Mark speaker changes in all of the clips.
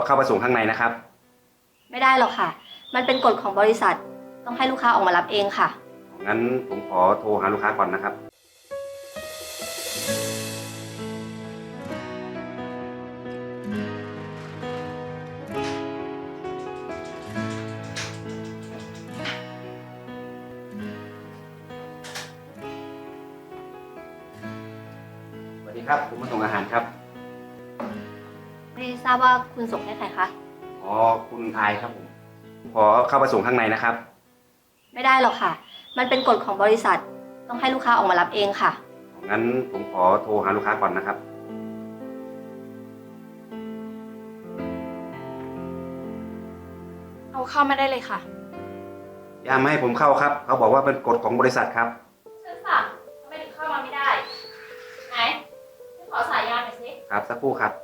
Speaker 1: เข้าไปส่งข้างในนะครับ
Speaker 2: ไม่ได้หรอกค่ะมันเป็นกฎของบริษัทต้องให้ลูกค้าออกมารับเองค่ะ
Speaker 1: งั้นผมขอโทรหาลูกค้าก่อนนะครับสวัสดีครับผมมาส่งอาหารครับ
Speaker 2: ไม่ทราบว่าคุณส่งให้ใครคะ
Speaker 1: อ๋อคุณอายครับผมขอเข้าไปส่งข้างในนะครับ
Speaker 2: ไม่ได้หรอกค่ะมันเป็นกฎของบริษัทต้องให้ลูกค้าออกมารับเองค่ะ
Speaker 1: งั้นผมขอโทรหาลูกค้าก่อนนะครับ
Speaker 3: เอาเข้ามาได้เลยค่ะ
Speaker 1: อย่ามาให้ผมเข้าครับเขาบอกว่าเป็นกฎของบริษัทครับ
Speaker 3: ฉันสั่งทำไมถึงเข้ามาไม่ได้ไหนฉันขอสายยางหน่อยสิ
Speaker 1: ครับสักครู่ครับ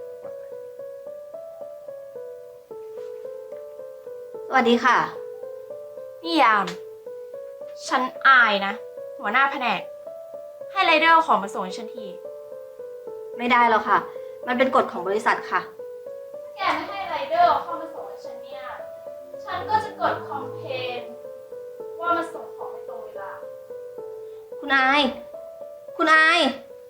Speaker 2: สวัสดีค่ะ
Speaker 3: นี่ยาม ฉันอายนะหัวหน้าแผนกให้ไรเดอร์ของมาส่งให้ฉันที
Speaker 2: ไม่ได้หรอกค่ะมันเป็นกฎของบริษัทค่ะ
Speaker 3: แกไม่ให้ไรเดอร์เข้ามาส่งให้ฉันเนี่ยฉันก็จะกดคอมเพลนว่ามาส่งของไม่ตรงเวลา
Speaker 2: คุณอายคุณอาย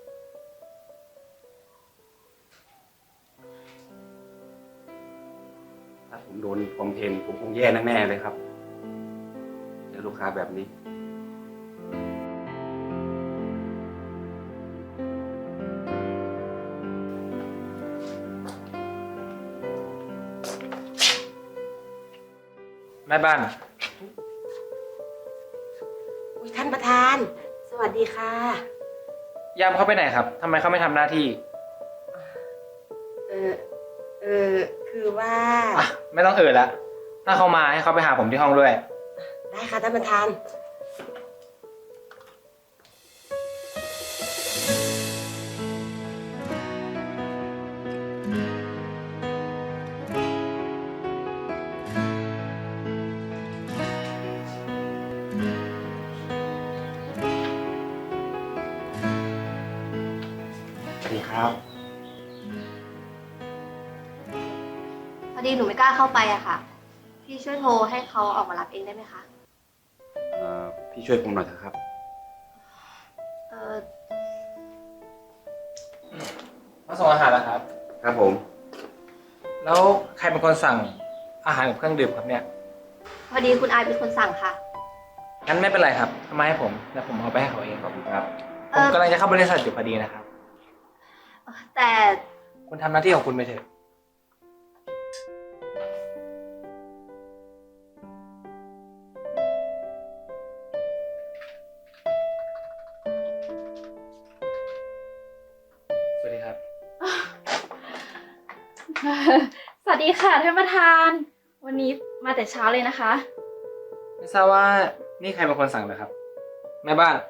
Speaker 1: ถ้าผมโดนคอมเพลนผมคงแย่แน่ๆเลยครับเจอลูกค้าแบบนี้
Speaker 4: แม่บ้าน
Speaker 5: อุ๊ยท่านประธาน สวัสดีค่ะ
Speaker 4: ยามเขาไปไหนครับทำไมเขาไม่ทำหน้าที่
Speaker 5: เออเออคือว่า
Speaker 4: ไม่ต้องละถ้าเขามาให้เขาไปหาผมที่ห้องด้วย
Speaker 5: ได้ค่ะท่านประธาน
Speaker 1: สวัสดีครับ
Speaker 2: พอดีหนูไม่กล้าเข้าไปอะค่ะพี่ช่วยโทรให้เขาออกมารับเองได้ไหมคะ
Speaker 1: พี่ช่วยผมหน่อยเถอะครับ
Speaker 2: เออ
Speaker 4: มาส่งอาหารแล้วครับ
Speaker 1: ครับผม
Speaker 4: แล้วใครเป็นคนสั่งอาหารกับเครื่องดื่มครับเนี่ย
Speaker 2: พอดีคุณอายเป็นคนสั่งค่ะ
Speaker 4: งั้นไม่เป็นไรครับทำไมาให้ผมแล้วผมเอาไปให้เขาเอง
Speaker 1: ขอบคุณครับ
Speaker 4: ผมกำลังจะเข้าบริษัทอยู่พอดีนะครับ
Speaker 2: แต่
Speaker 4: คุณทำหน้าที่ของคุณไปเถอะสวัสดีครับ
Speaker 3: สวัสดีค่ะท่านประธาน วันนี้มาแต่เช้าเลยนะคะ
Speaker 4: ไม่ทราบว่านี่ใครเป็นคนสั่งเหรอครับแม่บ้าน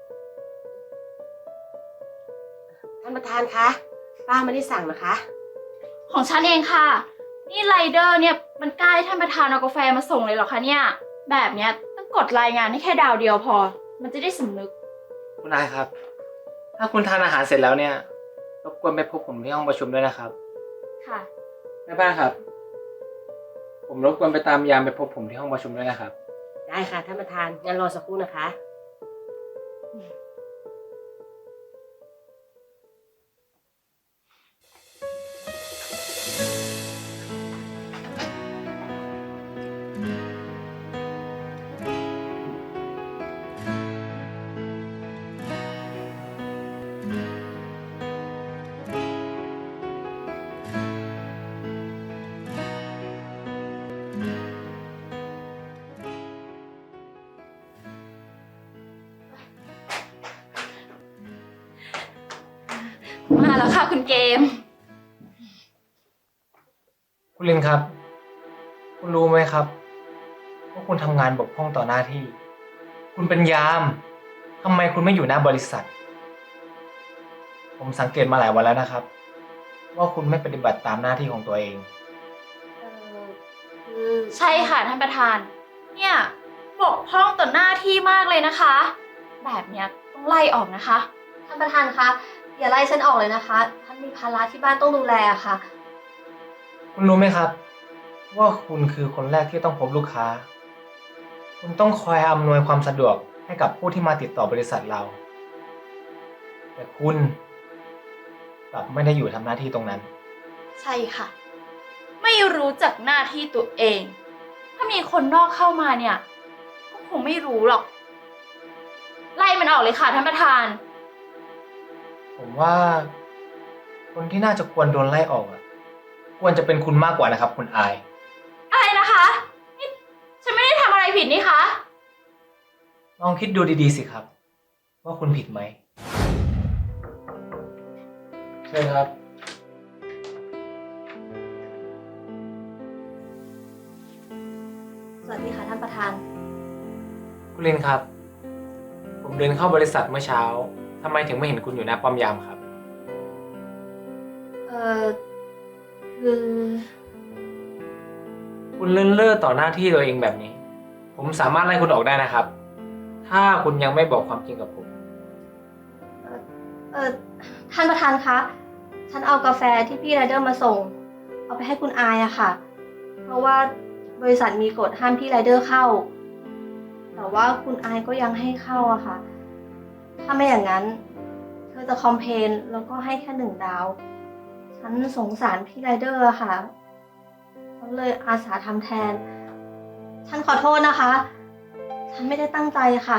Speaker 5: ท่านประธานคะป้าไม่ได้สั่งนะคะ
Speaker 3: ของฉันเองค่ะนี่ไรเดอร์เนี่ยมันกล้าให้ท่านประธานเอากาแฟมาส่งเลยเหรอคะเนี่ยแบบเนี้ยต้องกดรายงานให้แค่ดาวเดียวพอมันจะได้สำนึก
Speaker 4: คุณนายครับ ถ้าคุณทานอาหารเสร็จแล้วเนี่ยรบกวนไปพบผมที่ห้องประชุมด้วยนะครับ
Speaker 3: ค่ะ
Speaker 4: แม่บ้านครับผมรบกวนไปตามยามไปพบผมที่ห้องประชุมด้วยนะครับ
Speaker 5: ได้ค่ะท่านประธานงั้นรอสักครู่นะคะ
Speaker 3: มาแล้วค่ะคุณเกม
Speaker 4: คุณลินครับ คุณรู้ไหมครับว่าคุณทำงานบกพร่องต่อหน้าที่ คุณเป็นยามทำไมคุณไม่อยู่หน้าบริษัท ผมสังเกตมาหลายวันแล้วนะครับว่าคุณไม่ปฏิบัติตามหน้าที่ของตัวเอง
Speaker 3: ใช่ค่ะท่านประธานเนี่ยบกพร่องต่อหน้าที่มากเลยนะคะแบบเนี้ยต้องไล่ออกนะคะ
Speaker 2: ท่านประธานคะอย่าไล่ฉันออกเลยนะคะท่านมีภาระที่บ้านต้องดูแลค่ะ
Speaker 4: คุณรู้ไหมครับ ว่าคุณคือคนแรกที่ต้องพบลูกค้า คุณต้องคอยอำนวยความสะดวกให้กับผู้ที่มาติดต่อบริษัทเรา แต่คุณกลับไม่ได้อยู่ทำหน้าที่ตรงนั้น
Speaker 3: ใช่ค่ะ ไม่รู้จักหน้าที่ตัวเอง ถ้ามีคนนอกเข้ามาเนี่ย ก็คงไม่รู้หรอก ไล่มันออกเลยค่ะท่านประธาน
Speaker 4: ผมว่าคนที่น่าจะควรโดนไล่ออกอะควรจะเป็นคุณมากกว่านะครับ คุณอาย
Speaker 3: อะไรนะคะนี่ฉันไม่ได้ทำอะไรผิดนี่คะ
Speaker 4: ลองคิดดูดีๆสิครับ ว่าคุณผิดไหมใช่ครับ
Speaker 2: สวัสดีค่ะท่านประธาน
Speaker 4: คุณลินครับ ผมเดินเข้าบริษัทเมื่อเช้าทำไมถึงไม่เห็นคุณอยู่หน้าป้อมยามครับ
Speaker 2: เออคือ
Speaker 4: คุณเลื่อนเล่อต่อหน้าที่ตัวเองแบบนี้ ผมสามารถไล่คุณออกได้นะครับ ถ้าคุณยังไม่บอกความจริงกับผม
Speaker 2: ท่านประธานคะ ฉันเอากาแฟที่พี่ไรเดอร์มาส่ง เอาไปให้คุณอายอะค่ะ เพราะว่าบริษัทมีกฎห้ามพี่ไรเดอร์เข้า แต่ว่าคุณอายก็ยังให้เข้าอะค่ะ ถ้าไม่อย่างนั้น เธอจะคอมเพลนแล้วก็ให้แค่1 ดาว ฉันสงสารพี่ไรเดอร์อะค่ะฉันเลยอาสาทำแทน ฉันขอโทษนะคะ ฉันไม่ได้ตั้งใจค่ะ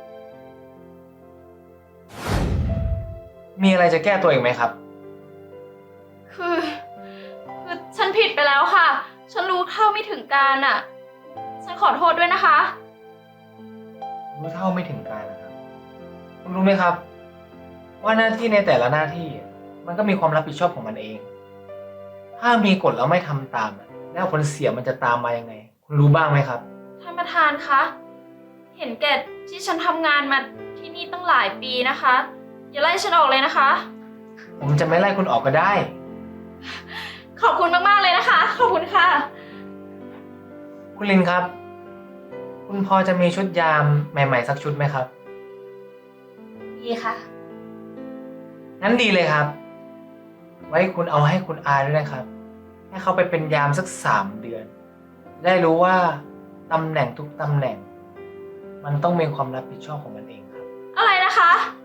Speaker 4: มีอะไรจะแก้ตัวอีกไหมครับ
Speaker 3: คือฉันผิดไปแล้วค่ะ ฉันรู้เท่าไม่ถึงการอ่ะ ฉันขอโทษด้วยนะคะ
Speaker 4: รู้เท่าไม่ถึงการนะครับ คุณรู้ไหมครับ ว่าหน้าที่ในแต่ละหน้าที่มันก็มีความรับผิดชอบของมันเอง ถ้ามีกฎแล้วไม่ทำตามแล้วผลเสียมันจะตามมายังไง คุณรู้บ้างไหมครับ
Speaker 3: ท่านประธานคะ เห็นแก่ที่ฉันทำงานมาที่นี่ตั้งหลายปีนะคะ อย่าไล่ฉันออกเลยนะคะ
Speaker 4: ผมจะไม่ไล่คุณออกก็ได้
Speaker 3: ขอบคุณมากๆเลยนะคะ ขอบคุณค่ะ
Speaker 4: คุณลินครับ คุณพอจะมีชุดยามใหม่ๆสักชุดไหมครับ
Speaker 2: ดีค่ะ
Speaker 4: งั้นดีเลยครับ ไว้คุณเอาให้คุณอาด้วยนะครับ ให้เขาไปเป็นยามสัก3 เดือน ได้รู้ว่าตำแหน่งทุกตำแหน่ง มันต้องมีความรับผิดชอบของมันเองครับ
Speaker 3: อะไรนะคะ